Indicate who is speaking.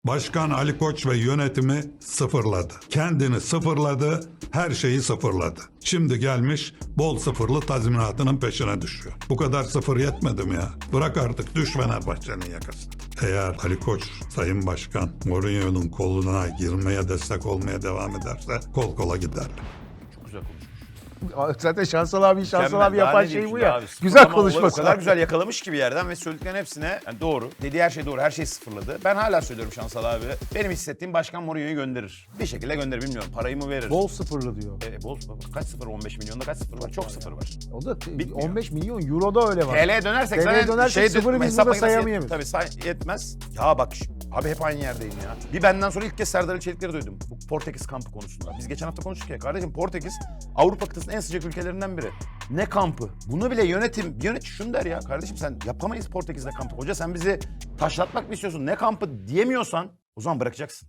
Speaker 1: Başkan Ali Koç ve yönetimi sıfırladı. Kendini sıfırladı, her şeyi sıfırladı. Şimdi gelmiş bol sıfırlı tazminatının peşine düşüyor. Bu kadar sıfır yetmedi mi ya? Bırak artık, düş Fenerbahçe'nin yakasına. Eğer Ali Koç, Sayın Başkan, Mourinho'nun koluna girmeye, destek olmaya devam ederse kol kola giderler.
Speaker 2: Çok güzel konuşmuş.
Speaker 3: Zaten Şansal abi
Speaker 2: Mükemmel.
Speaker 3: abi
Speaker 2: Daha
Speaker 3: yapan
Speaker 2: ne
Speaker 3: şey
Speaker 2: diyeyim
Speaker 3: bu
Speaker 2: şimdi
Speaker 3: ya.
Speaker 2: abi?
Speaker 3: Güzel
Speaker 2: Sıfırlama olayı
Speaker 3: konuşması.
Speaker 2: O kadar güzel yakalamış ki bir yerden ve söylediklerin hepsine yani doğru. Dediği her şey doğru. Her şeyi sıfırladı. Ben hala söylüyorum Şansal abi. Benim hissettiğim başkan Mourinho'yu gönderir. Bir şekilde gönderir, bilmiyorum. Parayı mı verir?
Speaker 3: Bol sıfırlı diyor.
Speaker 2: Bol kaç sıfır? 15 milyonda kaç sıfır var? Çok sıfır var.
Speaker 3: O da
Speaker 2: Bitmiyor.
Speaker 3: 15 milyon euro da öyle var.
Speaker 2: TL'ye dönersek
Speaker 3: TL'ye
Speaker 2: zaten
Speaker 3: dönersek sıfırı biz
Speaker 2: hesap
Speaker 3: burada
Speaker 2: makinesi
Speaker 3: sayamayız.
Speaker 2: Tabii yetmez. Ya bak abi hep aynı yerdeyim ya. Bir benden sonra ilk kez Serdar Ali Çelikleri duydum. Bu Portekiz kampı konusunda. Biz geçen hafta konuştuk ya. Kardeşim Portekiz Avrupa kıtasının en sıcak ülkelerinden biri. Ne kampı? Bunu bile yönetici şunu der ya. Kardeşim sen yapamayız Portekiz'de kampı. Hoca sen bizi taşlatmak mı istiyorsun? Ne kampı diyemiyorsan o zaman bırakacaksın.